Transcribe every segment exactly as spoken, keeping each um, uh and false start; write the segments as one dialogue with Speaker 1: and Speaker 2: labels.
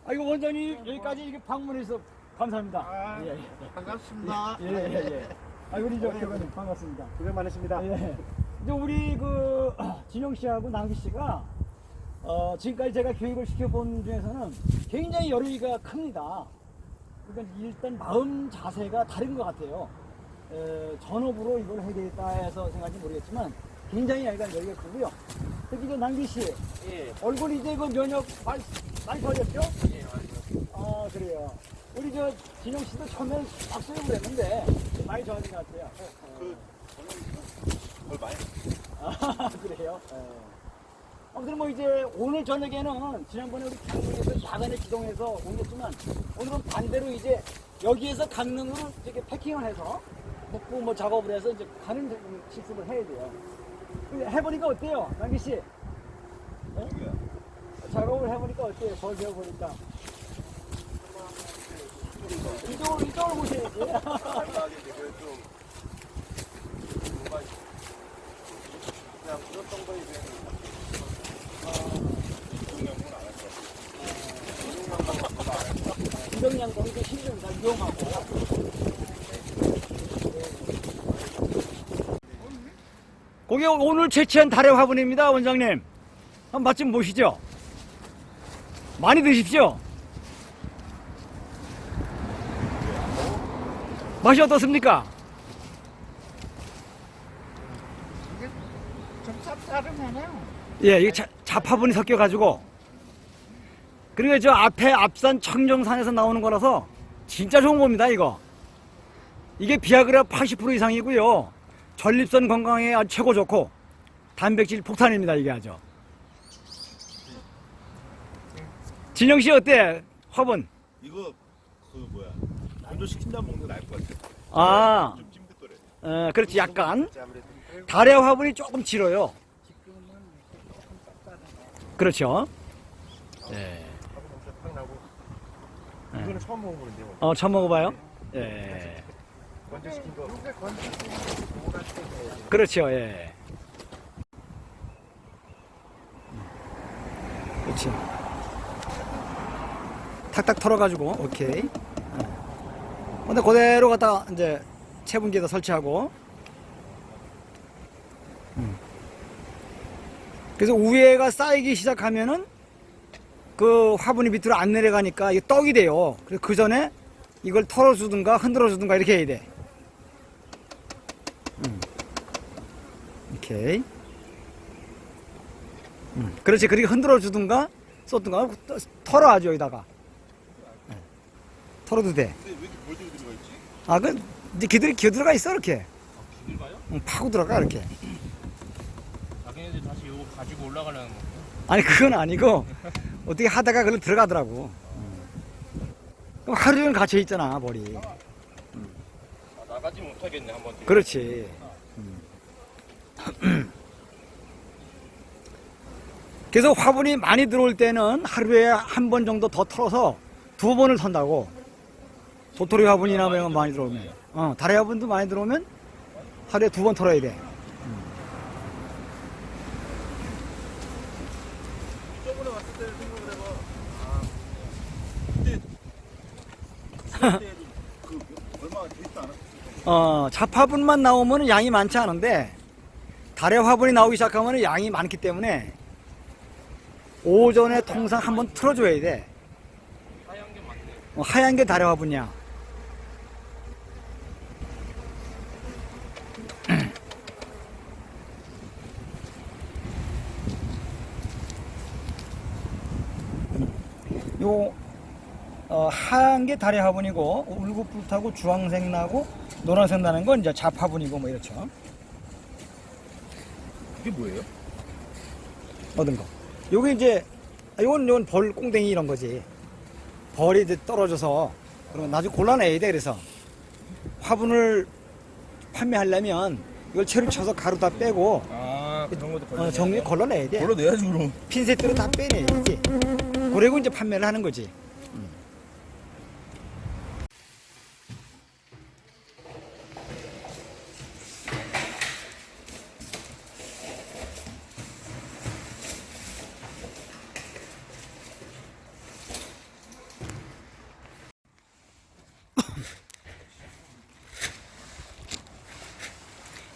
Speaker 1: 아이고 원장님 여기까지 이렇게 방문해서 감사합니다.
Speaker 2: 아,
Speaker 1: 예, 예.
Speaker 2: 반갑습니다.
Speaker 1: 예, 예, 예. 아 우리 저 교관님 반갑습니다.
Speaker 2: 고생 많으십니다.
Speaker 1: 예. 이제 우리 그 진영 씨하고 낭기 씨가 어, 지금까지 제가 교육을 시켜본 중에서는 굉장히 열의가 큽니다. 그러니까 일단 마음 자세가 다른 것 같아요. 에, 전업으로 이걸 해야 되겠다 해서 생각인지 모르겠지만 굉장히 약간 열의가 크고요. 특히 그 낭기 씨
Speaker 3: 예,
Speaker 1: 얼굴 이제 그 면역 많이, 많이 좋아졌죠?
Speaker 3: 예, 맞아요.
Speaker 1: 아 그래요. 우리 저 진영 씨도 처음엔 박수를 그랬는데 많이 좋아진 것 같아요.
Speaker 2: 그 저는 뭘 많이
Speaker 1: 아 그래요? 예. 아무튼 뭐 이제 오늘 저녁에는 지난번에 우리 강릉에서 야간에 기동해서 옮겼지만 오늘은 반대로 이제 여기에서 강릉으로 이렇게 패킹을 해서 묵고 뭐 작업을 해서 이제 가는 실습을 해야 돼요. 근데 해보니까 어때요, 남기 씨? 예?
Speaker 2: 누구야?
Speaker 1: 작업을 해보니까 어때요? 벌 배워보니까. 이쪽으로, 이쪽으로 보셔야지.
Speaker 2: 생각하는데 그좀 뭔가 그냥 그랬던 거에 대해서 운동량은 안할 것 같아요.
Speaker 1: 운동량동이 그 힘좀 잘 이용하고. 거기 오늘 채취한 달의 화분입니다, 원장님. 한번 맛 좀 보시죠. 많이 드십시오. 맛이 어떻습니까?
Speaker 2: 좀 짭짤하네요.
Speaker 1: 예, 이게 자, 잡화분이 섞여가지고. 그리고 저 앞에 앞산 청정산에서 나오는 거라서 진짜 좋은 겁니다, 이거. 이게 비아그라 팔십 퍼센트 이상이고요. 전립선 건강에 아주 최고 좋고, 단백질 폭탄입니다, 이게 아주. 진영씨 어때? 화분?
Speaker 2: 이거 그 뭐야 건조시킨 다음 먹는 게 나을 것 같아.
Speaker 1: 아,
Speaker 2: 좀 찜득거려.
Speaker 1: 어, 그렇지, 약간.
Speaker 2: 아무래도
Speaker 1: 달의 화분이 조금 길어요. 그렇죠. 예.
Speaker 2: 밥은 엄청 팍 나고.
Speaker 1: 네.
Speaker 2: 이거는 처음 먹어보는데 뭐.
Speaker 1: 어, 처음 먹어봐요? 예.
Speaker 2: 건조시킨 거.
Speaker 1: 그렇죠, 예. 그렇지. 탁탁 털어가지고, 오케이. 어. 근데 그대로 갖다가 이제 체분기에다 설치하고. 음. 그래서 위에가 쌓이기 시작하면은 그 화분이 밑으로 안 내려가니까 이게 떡이 돼요. 그래서 그 전에 이걸 털어주든가 흔들어주든가 이렇게 해야 돼. 음. 오케이. 음. 그렇지. 그렇게 흔들어주든가 쏟든가 털어야죠, 여기다가. 네. 털어도 돼.
Speaker 2: 근데 왜 이렇게 볼들이 들어가 있지?
Speaker 1: 아, 그, 이제 기들이 기어 들어가 있어, 이렇게.
Speaker 3: 비들 가요?
Speaker 1: 응, 파고 들어가, 이렇게.
Speaker 3: 자기네들 다시 이거 가지고 올라가려는 거.
Speaker 1: 아니, 그건 아니고, 어떻게 하다가 그걸 들어가더라고. 음. 그럼 하루 종일 갇혀있잖아, 머리.
Speaker 3: 아, 나가지 못하겠네 한번.
Speaker 1: 그렇지. 음. 그래서 화분이 많이 들어올 때는 하루에 한 번 정도 더 털어서 두 번을 턴다고. 도토리 화분이나 뭐 이런 거 많이 들어오면. 어, 다리 화분도 많이 들어오면 하루에 두 번 털어야 돼.
Speaker 2: 저번에 왔을 때 생각을 해봐. 아, 그때 그 얼마 되지도 않았어.
Speaker 1: 어, 잡화분만 나오면 양이 많지 않은데, 달의 화분이 나오기 시작하면 양이 많기 때문에, 오전에 통상 한번 틀어줘야 돼.
Speaker 3: 하얀 게 많네.
Speaker 1: 어, 하얀 게 달의 화분이야. 요, 어, 하얀 게 달의 화분이고, 울긋불긋하고 주황색 나고, 노란색 나는 건 이제 잡화분이고, 뭐 이렇죠.
Speaker 2: 이게 뭐예요?
Speaker 1: 얻은 거. 요게 이제, 요건, 요건 벌, 꽁댕이 이런 거지. 벌이 이제 떨어져서, 그러면 나중에 골라내야 돼, 그래서. 화분을 판매하려면, 이걸 채로 쳐서 가루 다 빼고,
Speaker 3: 아, 그런 것도
Speaker 1: 어, 정리 걸러내야 돼.
Speaker 2: 걸러내야지 그럼.
Speaker 1: 핀셋으로 다 빼내야지. 그리고 이제 판매를 하는 거지.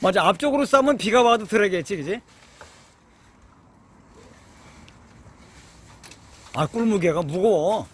Speaker 1: 맞아, 앞쪽으로 싸면 비가 와도 들어야겠지, 그지? 아, 꿀무게가 무거워.